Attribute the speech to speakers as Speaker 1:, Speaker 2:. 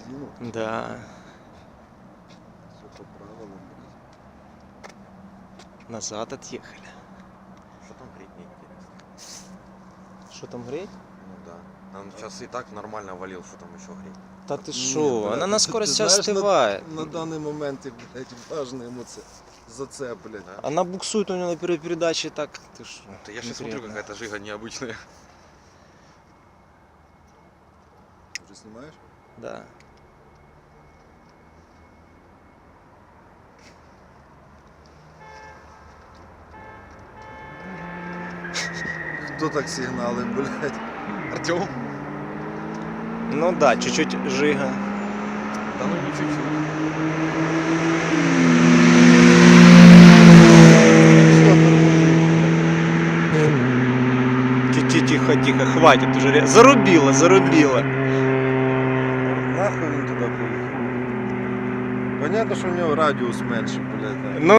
Speaker 1: бензину.
Speaker 2: Да.
Speaker 1: Все по правилам, блядь.
Speaker 2: Назад отъехали.
Speaker 3: Что там греть, мне интересно.
Speaker 2: Что там греть?
Speaker 3: Ну да. Нам сейчас и так нормально валил, что там еще греть.
Speaker 2: Та ты
Speaker 1: Ні,
Speaker 2: шо?
Speaker 1: блядь,
Speaker 2: Она
Speaker 1: ти-
Speaker 2: на
Speaker 1: ти
Speaker 2: скорости
Speaker 1: знаєш,
Speaker 2: остывает.
Speaker 1: На даний момент, блядь, важно йому це за це, блядь.
Speaker 3: Да?
Speaker 2: Она буксует у него на первой передаче так. Ты шо?
Speaker 3: Да я сейчас смотрю,
Speaker 2: конкретно.
Speaker 3: какая-то жига необычная.
Speaker 1: Вже знімаєш?
Speaker 2: Да.
Speaker 1: Хто так сигналив, блядь?
Speaker 3: Артем?
Speaker 2: Ну да, чуть-чуть жига.
Speaker 3: Да ну не чуть-чуть.
Speaker 2: Тихо, тихо, хватит уже. Зарубила, зарубила.
Speaker 1: Нахуй він туди поїхав. Понятно, що в нього радіус менший, блядь.
Speaker 2: Ну